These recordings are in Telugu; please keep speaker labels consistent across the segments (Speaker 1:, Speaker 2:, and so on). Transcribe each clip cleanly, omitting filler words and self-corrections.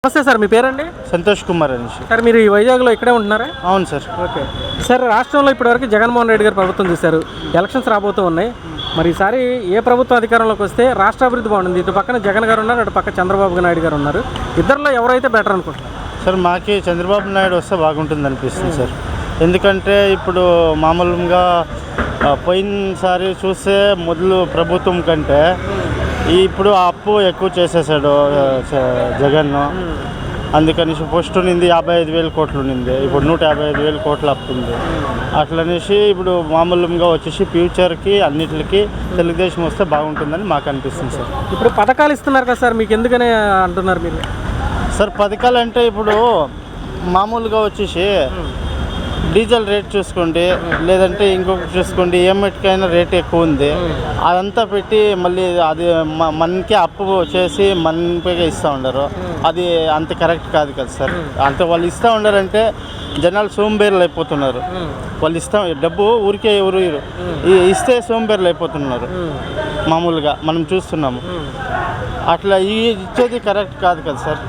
Speaker 1: నమస్తే సార్, మీ పేరండి?
Speaker 2: సంతోష్ కుమార్ అనేసి.
Speaker 1: సార్, మీరు ఈ వైజాగ్లో ఇక్కడే ఉంటున్నారా?
Speaker 2: అవును సార్.
Speaker 1: ఓకే సార్, రాష్ట్రంలో ఇప్పటివరకు జగన్మోహన్ రెడ్డి గారు ప్రభుత్వం చూశారు. ఎలక్షన్స్ రాబోతూ ఉన్నాయి. మరి ఈసారి ఏ ప్రభుత్వం అధికారంలోకి వస్తే రాష్ట్ర అభివృద్ధి బాగుంటుంది? ఇటు పక్కన జగన్ గారు ఉన్నారు, అటు పక్క చంద్రబాబు నాయుడు గారు ఉన్నారు. ఇద్దరిలో ఎవరైతే బెటర్ అనుకుంటున్నారు?
Speaker 2: సార్, మాకి చంద్రబాబు నాయుడు వస్తే బాగుంటుంది అనిపిస్తుంది సార్. ఎందుకంటే ఇప్పుడు మామూలుగా పోయినసారి చూస్తే మొదలు ప్రభుత్వం కంటే ఇప్పుడు అప్పు ఎక్కువ చేసేసాడు జగన్. అందుకని ఫస్ట్ నింది 55,000 కోట్లు నింది, ఇప్పుడు 155,000 కోట్ల అప్పు ఉంది. అట్లనేసి ఇప్పుడు మామూలుగా వచ్చేసి ఫ్యూచర్కి అన్నిటికి తెలుగుదేశం వస్తే బాగుంటుందని మాకు అనిపిస్తుంది సార్.
Speaker 1: ఇప్పుడు పథకాలు ఇస్తున్నారు కదా సార్, మీకు ఎందుకని అంటున్నారు మీరు?
Speaker 2: సార్, పథకాలు అంటే ఇప్పుడు మామూలుగా వచ్చేసి డీజిల్ రేట్ చూసుకోండి, లేదంటే ఇంకొకటి చూసుకోండి, ఏమిటికైనా రేట్ ఎక్కువ ఉంది. అదంతా పెట్టి మళ్ళీ అది మనకి అప్పు చేసి మనకే ఇస్తూ ఉండరు. అది అంత కరెక్ట్ కాదు కదా సార్. అంటే వాళ్ళు ఇస్తూ ఉండారంటే జనాలు సోంబేర్లు అయిపోతున్నారు. వాళ్ళు డబ్బు ఊరికే ఎవరు ఇస్తే సోంబేర్లు అయిపోతున్నారు. మామూలుగా మనం చూస్తున్నాము. అట్లా ఇచ్చేది కరెక్ట్ కాదు కదా సార్.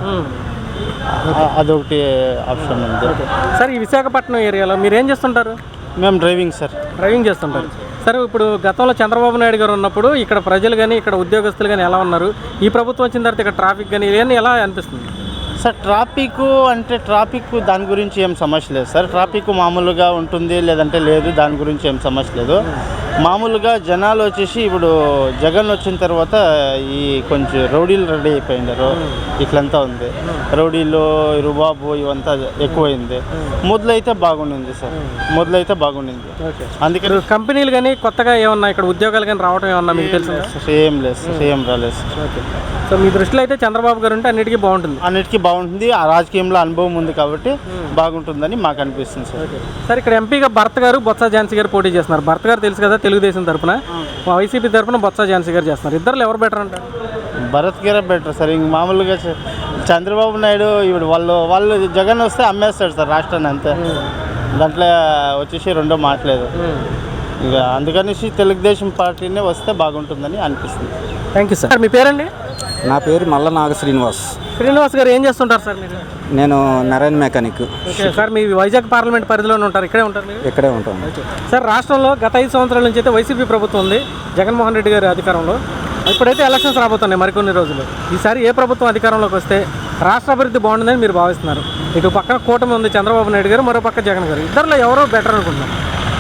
Speaker 2: అదొకటి ఆప్షన్ ఉంది
Speaker 1: సార్. ఈ విశాఖపట్నం ఏరియాలో మీరు ఏం చేస్తుంటారు?
Speaker 2: మేము డ్రైవింగ్ సార్.
Speaker 1: డ్రైవింగ్ చేస్తుంటారు. సరే, ఇప్పుడు గతంలో చంద్రబాబు నాయుడు గారు ఉన్నప్పుడు ఇక్కడ ప్రజలు కానీ ఇక్కడ ఉద్యోగస్తులు కానీ ఎలా ఉన్నారు? ఈ ప్రభుత్వం వచ్చిన తర్వాత ఇక్కడ ట్రాఫిక్ కానీ ఇవన్నీ ఎలా అనిపిస్తుంది
Speaker 2: సార్? ట్రాఫిక్ దాని గురించి ఏం సమస్య లేదు సార్. ట్రాఫిక్ మామూలుగా ఉంటుంది, లేదంటే లేదు, దాని గురించి ఏం సమస్య లేదు. మామూలుగా జనాలు వచ్చేసి ఇప్పుడు జగన్ వచ్చిన తర్వాత ఈ కొంచెం రౌడీలు రెడీ అయిపోయినారు. ఇట్లంతా ఉంది, రౌడీలు రుబాబు ఇవంతా ఎక్కువైంది. మొదలైతే బాగుండింది సార్, మొదలైతే బాగుండింది.
Speaker 1: అందుకని కంపెనీలు కానీ కొత్తగా ఏమన్నా ఇక్కడ ఉద్యోగాలు కానీ రావడం ఏమన్నా మీకు తెలుసు?
Speaker 2: ఏం లేదు సార్, ఏం రాలేదు సార్.
Speaker 1: సో మీ దృష్టిలో అయితే చంద్రబాబు గారు ఉంటే అన్నిటికీ బాగుంటుంది?
Speaker 2: అన్నిటికీ బాగుంటుంది. ఆ రాజకీయంలో అనుభవం ఉంది కాబట్టి బాగుంటుందని మాకు అనిపిస్తుంది సార్.
Speaker 1: సార్, ఇక్కడ ఎంపీగా భరత్ గారు, బొత్స ఝాన్సీ గారు పోటీ చేస్తున్నారు. భరత్ గారు తెలుసు కదా, తెలుగుదేశం తరఫున. వైసీపీ తరఫున బొత్స ఝాన్సీ గారు చేస్తున్నారు. ఇద్దరు ఎవరు బెటర్ అంటారు?
Speaker 2: భరత్ గారే బెటర్ సార్. ఇంక మామూలుగా చంద్రబాబు నాయుడు ఇప్పుడు వాళ్ళు జగన్ వస్తే అమ్మేస్తాడు సార్ రాష్ట్రాన్ని, అంతే. దాంట్లో వచ్చేసి రెండో మాట్లేదు. ఇక అందుకనేసి తెలుగుదేశం పార్టీనే వస్తే బాగుంటుందని అనిపిస్తుంది.
Speaker 1: Thank you sir. మీ పేరండి?
Speaker 3: నా పేరు మల్ల నాగ శ్రీనివాస్.
Speaker 1: శ్రీనివాస్ గారు ఏం చేస్తుంటారు సార్ మీరు?
Speaker 3: నేను నారాయణ మెకానిక్.
Speaker 1: ఓకే సార్, మీ వైజాగ్ పార్లమెంట్ పరిధిలోనే ఉంటారు? ఇక్కడే ఉంటారు మీరు?
Speaker 3: ఇక్కడే ఉంటాను
Speaker 1: సార్. రాష్ట్రంలో గత 5 సంవత్సరాల నుంచి అయితే వైసీపీ ప్రభుత్వం ఉంది, జగన్మోహన్ రెడ్డి గారి అధికారంలో. ఇప్పుడైతే ఎలక్షన్స్ రాబోతున్నాయి మరికొన్ని రోజులు. ఈసారి ఏ ప్రభుత్వం అధికారంలోకి వస్తే రాష్ట్ర అభివృద్ధి బాగుంటుందని మీరు భావిస్తున్నారు? ఇటు పక్కన కూటమి ఉంది, చంద్రబాబు నాయుడు గారు, మరో పక్క జగన్ గారు. ఇద్దరిలో ఎవరో బెటర్ అనుకుంటున్నారు?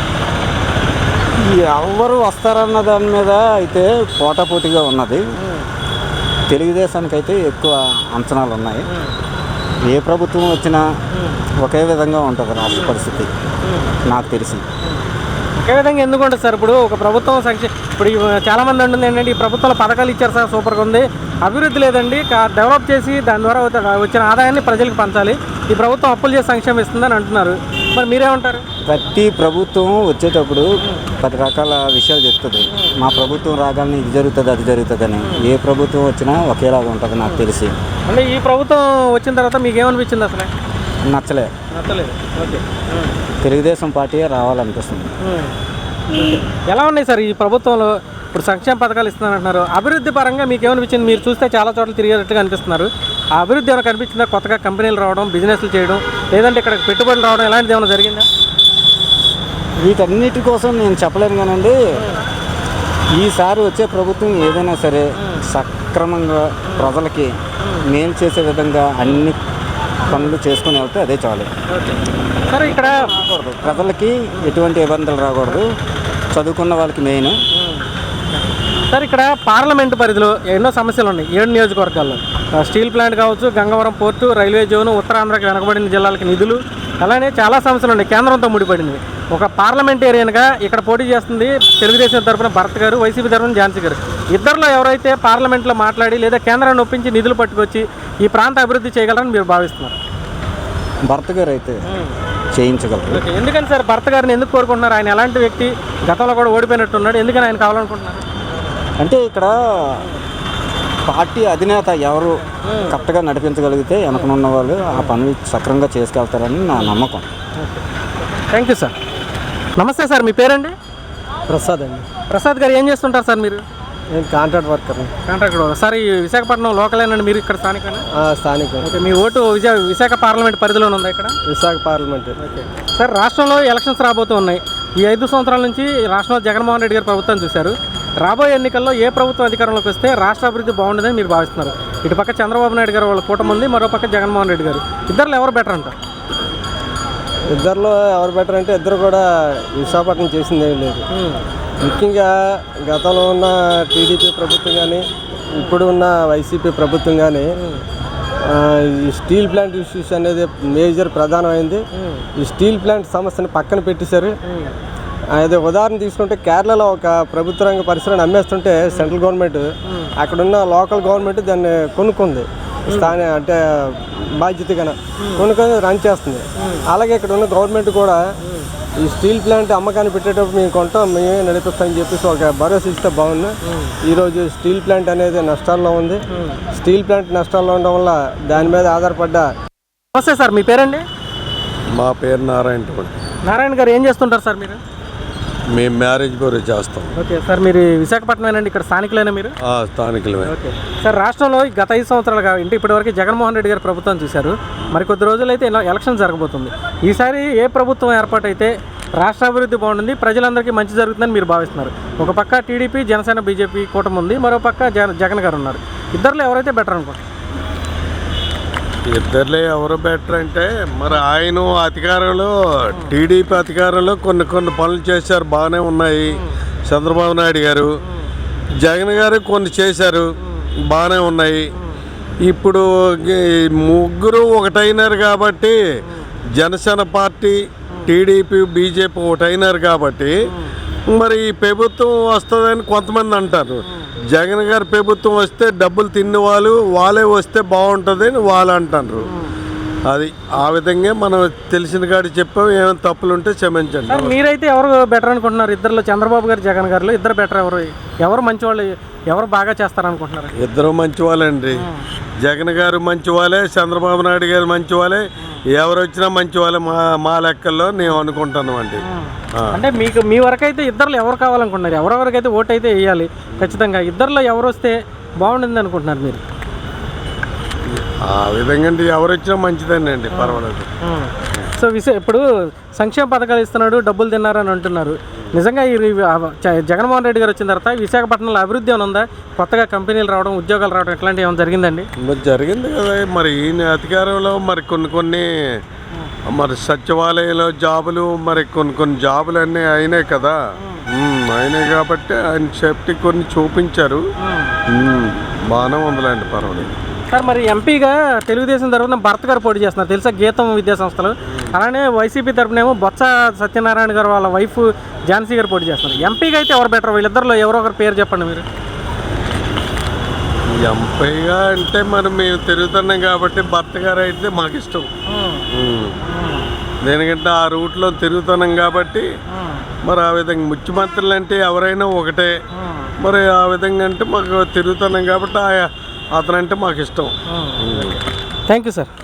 Speaker 3: ఎవరు వస్తారన్న దాని మీద అయితే పోటాపోటీగా ఉన్నది. తెలుగుదేశానికి అయితే ఎక్కువ అంచనాలు ఉన్నాయి. ఏ ప్రభుత్వం వచ్చినా ఒకే విధంగా ఉంటుంది రాష్ట్ర పరిస్థితి నాకు తెలిసి.
Speaker 1: ఒకే విధంగా ఎందుకు ఉంటుంది సార్? ఇప్పుడు ఒక ప్రభుత్వం ఇప్పుడు చాలామంది అంటుంది ఏంటంటే, ఈ ప్రభుత్వంలో పథకాలు ఇచ్చారు సార్, సూపర్గా ఉంది, అభివృద్ధి లేదండి, డెవలప్ చేసి దాని ద్వారా వచ్చిన ఆదాయాన్ని ప్రజలకు పంచాలి, ఈ ప్రభుత్వం అప్పులు చేసి సంక్షేమం ఇస్తుందని అంటున్నారు. మరి మీరేమంటారు?
Speaker 3: ప్రతి ప్రభుత్వం వచ్చేటప్పుడు 10 రకాల విషయాలు చెప్తుంది. మా ప్రభుత్వం రాగానే ఇది జరుగుతుంది, అది జరుగుతుందని. ఏ ప్రభుత్వం వచ్చినా ఒకేలాగా ఉంటుంది నాకు తెలిసి.
Speaker 1: అంటే ఈ ప్రభుత్వం వచ్చిన తర్వాత మీకు ఏమనిపించింది అసలు?
Speaker 3: నచ్చలేదు.
Speaker 1: ఓకే.
Speaker 3: తెలుగుదేశం పార్టీ రావాలనిపిస్తుంది.
Speaker 1: ఎలా ఉన్నాయి సార్ ఈ ప్రభుత్వంలో? ఇప్పుడు సంక్షేమ పథకాలు ఇస్తున్నారంటున్నారు. అభివృద్ధి పరంగా మీకు ఏమనిపించింది? మీరు చూస్తే చాలా చోట్ల తిరిగేటట్టుగా అనిపిస్తున్నారు. ఆ అభివృద్ధి ఏమైనా కనిపించిందా? కొత్తగా కంపెనీలు రావడం, బిజినెస్లు చేయడం, లేదంటే ఇక్కడ పెట్టుబడులు రావడం, ఇలాంటిది ఏమైనా జరిగిందా?
Speaker 3: వీటన్నిటి కోసం నేను చెప్పలేను కానండి, ఈసారి వచ్చే ప్రభుత్వం ఏదైనా సరే సక్రమంగా ప్రజలకి మేలు చేసే విధంగా అన్ని పనులు చేసుకుని వెళ్తే అదే చాలు.
Speaker 1: సరే, ఇక్కడ
Speaker 3: ప్రజలకి ఎటువంటి ఇబ్బందులు రాకూడదు, చదువుకున్న వాళ్ళకి మెయిన్.
Speaker 1: సార్, ఇక్కడ పార్లమెంటు పరిధిలో ఎన్నో సమస్యలు ఉన్నాయి 7 నియోజకవర్గాల్లో. స్టీల్ ప్లాంట్ కావచ్చు, గంగవరం పోర్టు, రైల్వే జోను, ఉత్తరాంధ్రకి వెనకబడిన జిల్లాలకి నిధులు, అలానే చాలా సమస్యలు ఉన్నాయి కేంద్రంతో ముడిపడింది. ఒక పార్లమెంటేరియన్గా ఇక్కడ పోటీ చేస్తుంది తెలుగుదేశం తరఫున భరత్ గారు, వైసీపీ తరఫున ఝాన్సీ గారు. ఇద్దరిలో ఎవరైతే పార్లమెంట్లో మాట్లాడి లేదా కేంద్రాన్ని ఒప్పించి నిధులు పట్టుకొచ్చి ఈ ప్రాంత అభివృద్ధి చేయగలరని మీరు భావిస్తున్నారు?
Speaker 3: భరత్ గారు అయితే చేయించగలరు.
Speaker 1: ఎందుకని సార్ భరత్ గారిని ఎందుకు కోరుకుంటున్నారు? ఆయన ఎలాంటి వ్యక్తి? గతంలో కూడా ఓడిపోయినట్టున్నాడు, ఎందుకని ఆయన కావాలనుకుంటున్నారు?
Speaker 3: అంటే ఇక్కడ పార్టీ అధినేత ఎవరు కరెక్ట్గా నడిపించగలిగితే వెనకనున్న వాళ్ళు ఆ పనులు సక్రమంగా చేసుకెళ్తారని నా నమ్మకం.
Speaker 1: Thank you sir. నమస్తే సార్, మీ పేరండి?
Speaker 4: ప్రసాద్ అండి.
Speaker 1: ప్రసాద్ గారు ఏం చేస్తుంటారు సార్ మీరు?
Speaker 2: నేను కాంట్రాక్ట్ వర్కర్.
Speaker 1: కాంట్రాక్ట్ సార్ ఈ విశాఖపట్నం లోకలేనండి మీరు ఇక్కడ స్థానికనా?
Speaker 2: స్థానిక.
Speaker 1: ఓకే, మీ ఓటు విశాఖ పార్లమెంట్ పరిధిలోనే ఉందా ఇక్కడ?
Speaker 2: విశాఖ పార్లమెంట్.
Speaker 1: ఓకే సార్, రాష్ట్రంలో ఎలక్షన్స్ రాబోతూ ఉన్నాయి. ఈ 5 సంవత్సరాల నుంచి రాష్ట్రంలో జగన్మోహన్ రెడ్డి గారు ప్రభుత్వం చూశారు. రాబోయే ఎన్నికల్లో ఏ ప్రభుత్వం అధికారంలోకి వస్తే రాష్ట్ర అభివృద్ధి బాగుంటుందని మీరు భావిస్తున్నారు? ఇటు పక్క చంద్రబాబు నాయుడు గారు వాళ్ళ కూటమి ఉంది, మరో పక్క జగన్మోహన్ రెడ్డి గారు. ఇద్దరు ఎవరు బెటర్ అంటారు?
Speaker 2: ఇద్దరిలో ఎవరు బెటర్ అంటే ఇద్దరు కూడా విశాఖపట్నం చేసింది ఏం లేదు. ముఖ్యంగా గతంలో ఉన్న టీడీపీ ప్రభుత్వం కానీ ఇప్పుడు ఉన్న వైసీపీ ప్రభుత్వం కానీ ఈ స్టీల్ ప్లాంట్ ఇష్యూస్ అనేది మేజర్ ప్రధానమైంది. ఈ స్టీల్ ప్లాంట్ సమస్యను పక్కన పెట్టేశారు. అదే ఉదాహరణ తీసుకుంటే కేరళలో ఒక ప్రభుత్వ రంగ పరిశ్రమను అమ్మేస్తుంటే సెంట్రల్ గవర్నమెంట్ అక్కడున్న లోకల్ గవర్నమెంట్ దాన్ని కొనుక్కుంది. స్థానిక అంటే బాధ్యతగా కొనుక్కొని రన్ చేస్తుంది. అలాగే ఇక్కడ ఉన్న గవర్నమెంట్ కూడా ఈ స్టీల్ ప్లాంట్ అమ్మకాన్ని పెట్టేటప్పుడు మేము కొంటాం, మేమే నడిపిస్తామని చెప్పేసి ఒక భరోసా ఇస్తే బాగుంది. ఈరోజు స్టీల్ ప్లాంట్ అనేది నష్టాల్లో ఉంది. స్టీల్ ప్లాంట్ నష్టాల్లో ఉండడం వల్ల దాని మీద ఆధారపడ్డ.
Speaker 1: నమస్తే సార్, మీ పేరండి?
Speaker 4: మా పేరు నారాయణ.
Speaker 1: నారాయణ గారు ఏం చేస్తుంటారు సార్ మీరు?
Speaker 4: మేము మ్యారేజ్ బ్యూరో చేస్తాం.
Speaker 1: ఓకే సార్, మీరు విశాఖపట్నమేనండి, ఇక్కడ స్థానికులైనా మీరు?
Speaker 4: స్థానికులమే.
Speaker 1: ఓకే సార్, రాష్ట్రంలో గత 5 సంవత్సరాలు కాబట్టి ఇప్పటివరకు జగన్మోహన్ రెడ్డి గారు ప్రభుత్వం చూశారు. మరి కొద్ది రోజులైతే ఎలక్షన్ జరగబోతుంది. ఈసారి ఏ ప్రభుత్వం ఏర్పాటైతే రాష్ట్ర అభివృద్ధి బాగుంటుంది, ప్రజలందరికీ మంచి జరుగుతుందని మీరు భావిస్తున్నారు? ఒక పక్క టీడీపీ, జనసేన, బీజేపీ కూటమి ఉంది, మరో పక్క జగన్ గారు ఉన్నారు. ఇద్దరిలో ఎవరైతే బెటర్ అనుకుంటారు?
Speaker 4: ఇద్దరులే ఎవరు బెటర్ అంటే మరి ఆయన అధికారంలో టీడీపీ అధికారంలో కొన్ని పనులు చేశారు, బాగానే ఉన్నాయి. చంద్రబాబు నాయుడు గారు, జగన్ గారు కొన్ని చేశారు, బాగానే ఉన్నాయి. ఇప్పుడు ముగ్గురు ఒకటైనారు కాబట్టి జనసేన పార్టీ, టీడీపీ, బీజేపీ ఒకటైనారు కాబట్టి మరి ఈ ప్రభుత్వం వస్తుందని కొంతమంది అంటారు. జగన్ గారి ప్రభుత్వం వస్తే డబ్బులు తిన్న వాళ్ళే వస్తే బాగుంటుంది అని వాళ్ళు అంటారు. అది ఆ విధంగా మనం తెలిసిన కాడి చెప్పాం. ఏమైనా తప్పులు ఉంటే క్షమించండి.
Speaker 1: సార్, మీరైతే ఎవరు బెటర్ అనుకుంటున్నారు? ఇద్దరులో చంద్రబాబు గారు, జగన్ గారు ఇద్దరు బెటర్? ఎవరు మంచి వాళ్ళు, ఎవరు బాగా చేస్తారనుకుంటున్నారు?
Speaker 4: ఇద్దరు మంచి వాళ్ళండి. జగన్ గారు మంచి వాళ్ళే, చంద్రబాబు నాయుడు గారు మంచి వాళ్ళే. ఎవరు వచ్చినా మంచి వాళ్ళే మా లెక్కల్లో నేను అనుకుంటాను అండి.
Speaker 1: అంటే మీ వరకు అయితే ఇద్దరులో ఎవరు కావాలనుకుంటున్నారు? ఎవరెవరికైతే ఓటు అయితే వేయాలి ఖచ్చితంగా, ఇద్దరులో ఎవరు వస్తే బాగుంటుంది అనుకుంటున్నారు మీరు?
Speaker 4: ఆ విధంగా ఎవరు వచ్చినా మంచిదేనండి, పర్వాలేదు.
Speaker 1: సో ఇప్పుడు సంక్షేమ పథకాలు ఇస్తున్నాడు, డబ్బులు తిన్నారని అంటున్నారు. నిజంగా జగన్మోహన్ రెడ్డి గారు వచ్చిన తర్వాత విశాఖపట్నంలో అభివృద్ధి ఏమైనా ఉందా? కొత్తగా కంపెనీలు రావడం, ఉద్యోగాలు రావడం ఇట్లాంటివి ఏమైనా జరిగిందండి?
Speaker 4: జరిగింది కదా. మరి ఈయన అధికారంలో మరి కొన్ని మరి సచివాలయంలో జాబులు, మరి కొన్ని జాబులు అన్నీ అయినాయి కదా. అయినాయి కాబట్టి ఆయన సేఫ్టీ కొన్ని చూపించారు. బాగానే ఉందిలేండి, పర్వాలేదు.
Speaker 1: సార్, మరి ఎంపీగా తెలుగుదేశం తరఫున భరత్ గారు పోటీ చేస్తున్నారు, తెలుసా? గీతం విద్యా సంస్థలు. అలానే వైసీపీ తరఫునేమో బొత్స సత్యనారాయణ గారు వాళ్ళ వైఫ్ ఝాన్సీ గారు పోటీ చేస్తున్నారు. ఎంపీగా అయితే ఎవరు బెటర్? వీళ్ళిద్దరిలో ఎవరో ఒకరి పేరు చెప్పండి మీరు.
Speaker 4: ఎంపీగా అంటే మరి మేము తిరుగుతున్నాం కాబట్టి భర్త గారు అయితే మాకు ఇష్టం. దేనికంటే ఆ రూట్లో తిరుగుతున్నాం కాబట్టి మరి ఆ విధంగా ముఖ్యమంత్రులు అంటే ఎవరైనా ఒకటే. మరి ఆ విధంగా అంటే మాకు తిరుగుతున్నాం కాబట్టి అతనంటే మాకు ఇష్టం.
Speaker 1: Thank you sir.